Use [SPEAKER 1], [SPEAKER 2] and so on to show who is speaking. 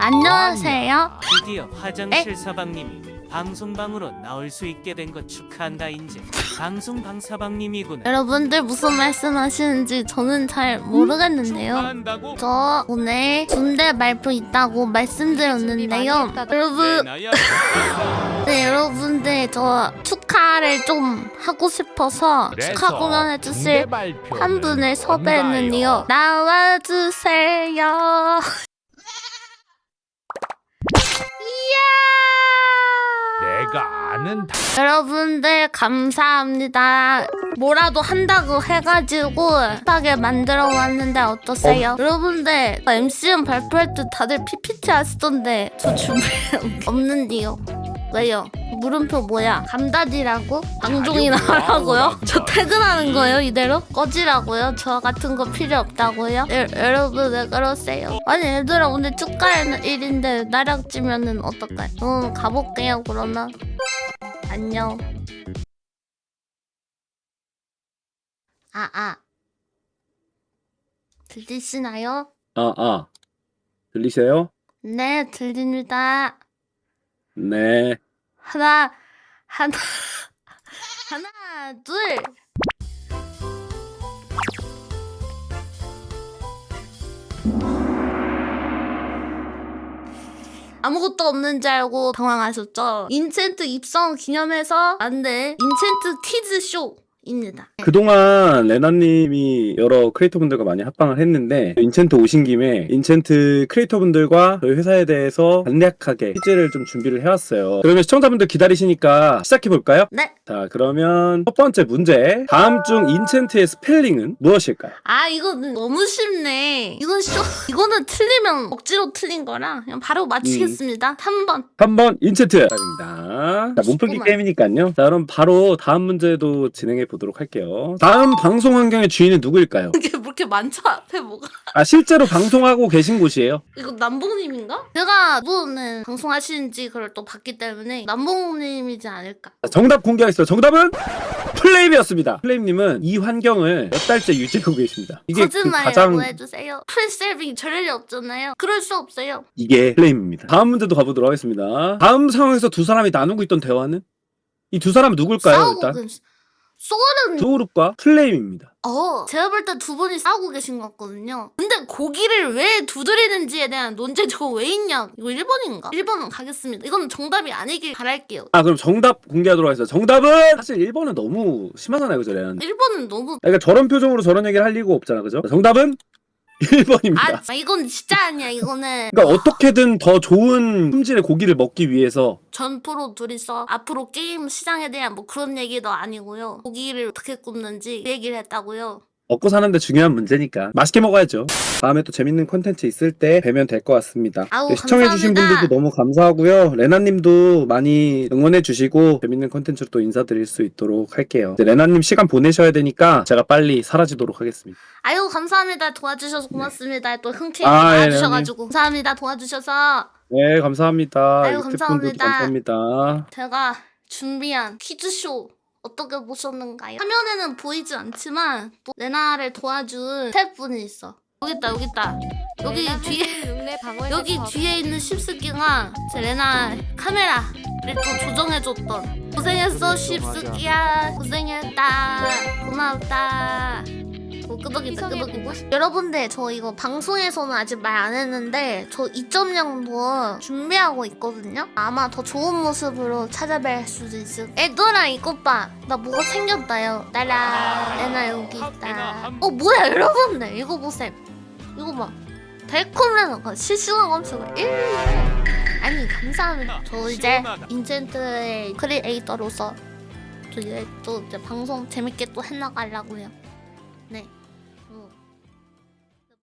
[SPEAKER 1] 안녕하세요.
[SPEAKER 2] 드디어 화장실 사방님이 방송방으로 나올 수 있게 된 것 축하한다. 인제 방송방사방님이구나.
[SPEAKER 1] 여러분들 무슨 말씀하시는지 저는 잘 모르겠는데요.
[SPEAKER 2] 축하한다고?
[SPEAKER 1] 저 오늘 군대 발표 있다고 말씀드렸는데요. 여러분, 네, 여러분들 저 축하를 좀 하고 싶어서 축하 공연 해주실 한 분을 섭외했는데요. 나와주세요.
[SPEAKER 3] 내가 아는
[SPEAKER 1] 여러분들 감사합니다. 뭐라도 한다고 해가지고 하게 만들어 왔는데 어떠세요? 여러분들 MCM 발표할 때 다들 PPT 하시던데 저 준비 없는데요. 왜요? 물음표 뭐야? 감다디라고? 방종이나 하라고요? 저 퇴근하는 거예요 이대로? 꺼지라고요? 저 같은 거 필요 없다고요? 여러분 왜 그러세요? 아니 얘들아 오늘 축가하는 일인데 나락지면은 어떡해? 가볼게요 그러면. 안녕. 들리시나요?
[SPEAKER 4] 들리세요?
[SPEAKER 1] 네 들립니다.
[SPEAKER 4] 네.
[SPEAKER 1] 하나 둘. 아무것도 없는 줄 알고 당황하셨죠? 인챈트 입성 기념해서 만든 인챈트 퀴즈 쇼입니다.
[SPEAKER 4] 그동안 레나님이 여러 크리에이터분들과 많이 합방을 했는데 인챈트 오신 김에 인챈트 크리에이터분들과 저희 회사에 대해서 간략하게 퀴즈를 좀 준비를 해왔어요. 그러면 시청자분들 기다리시니까 시작해볼까요?
[SPEAKER 1] 네.
[SPEAKER 4] 자, 그러면 첫 번째 문제. 다음 중 인챈트의 스펠링은 무엇일까요?
[SPEAKER 1] 이거는 너무 쉽네. 이거는 틀리면 억지로 틀린 거라 그냥 바로 맞히겠습니다. 3번.
[SPEAKER 4] 3번 인챈트 답입니다. 자, 몸풀기
[SPEAKER 1] 쉽구만.
[SPEAKER 4] 게임이니까요. 자, 그럼 바로 다음 문제도 진행해 보도록 할게요. 다음 방송 환경의 주인은 누구일까요?
[SPEAKER 1] 이게 뭐 이렇게 많죠 앞에 뭐가.
[SPEAKER 4] 실제로 방송하고 계신 곳이에요.
[SPEAKER 1] 이거 남봉님인가? 제가 누구는 방송하시는지 그걸 또 봤기 때문에 남봉님이지 않을까.
[SPEAKER 4] 자, 정답 공개하겠습니다. 정답은 플레임이었습니다. 플레임님은 이 환경을 몇 달째 유지하고 계십니다. 이게
[SPEAKER 1] 거짓말이라고 해주세요. 프리세이빙 저럴 리 없잖아요. 그럴 수 없어요.
[SPEAKER 4] 이게 플레임입니다. 다음 문제도 가보도록 하겠습니다. 다음 상황에서 두 사람이 나누고 있던 대화는? 이 두 사람은 누굴까요? 일단
[SPEAKER 1] 소울은
[SPEAKER 4] 소그룹과 플레임입니다.
[SPEAKER 1] 제가 볼 때 두 분이 싸우고 계신 것 같거든요. 근데 고기를 왜 두드리는지에 대한 논쟁 저거 왜 있냐? 이거 1번인가? 1번은 가겠습니다. 이건 정답이 아니길 바랄게요.
[SPEAKER 4] 그럼 정답 공개하도록 하겠습니다. 정답은 사실 1번은 너무 심하잖아요, 그죠?
[SPEAKER 1] 1번은 너무
[SPEAKER 4] 그러니까 저런 표정으로 저런 얘기를 할 리가 없잖아, 그죠? 정답은 1번입니다.
[SPEAKER 1] 이건 진짜 아니야. 이거는
[SPEAKER 4] 그러니까 어떻게든 더 좋은 품질의 고기를 먹기 위해서
[SPEAKER 1] 전 프로 둘이서 앞으로 게임 시장에 대한 뭐 그런 얘기도 아니고요. 고기를 어떻게 굽는지 그 얘기를 했다고요.
[SPEAKER 4] 먹고 사는데 중요한 문제니까 맛있게 먹어야죠. 다음에 또 재밌는 콘텐츠 있을 때 뵈면 될 것 같습니다. 시청해주신
[SPEAKER 1] 감사합니다.
[SPEAKER 4] 분들도 너무 감사하고요. 레나님도 많이 응원해주시고 재밌는 콘텐츠로 또 인사드릴 수 있도록 할게요. 이제 레나님 시간 보내셔야 되니까 제가 빨리 사라지도록 하겠습니다.
[SPEAKER 1] 감사합니다. 도와주셔서 고맙습니다. 또 흔쾌히
[SPEAKER 4] 예,
[SPEAKER 1] 도와주셔가지고 감사합니다. 도와주셔서.
[SPEAKER 4] 네, 감사합니다.
[SPEAKER 1] 감사합니다.
[SPEAKER 4] 감사합니다.
[SPEAKER 1] 제가 준비한 퀴즈쇼 어떻게 보셨는가요? 화면에는 보이지 않지만 또 레나를 도와준 스태프분이 있어. 여기 있다. 여기 뒤에 있는 십스키가 제 레나 카메라를 또 조정해줬던. 고생했어 십스키야. 고생했다. 고맙다. 끄덕이다. 여러분들 저 이거 방송에서는 아직 말 안 했는데 저 2.0도 준비하고 있거든요. 아마 더 좋은 모습으로 찾아뵐 수도 있을. 애들아 이것 봐. 나 뭐가 생겼다요. 따라 레나 여기 있다. 뭐야 여러분들 이거 보세요. 이거 봐. 달콤 레나가 실시간 검색을 1. 아니 감사합니다. 저 이제 인챈트의 크리에이터로서 또 이제 방송 재밌게 또 해나가려고요. 네.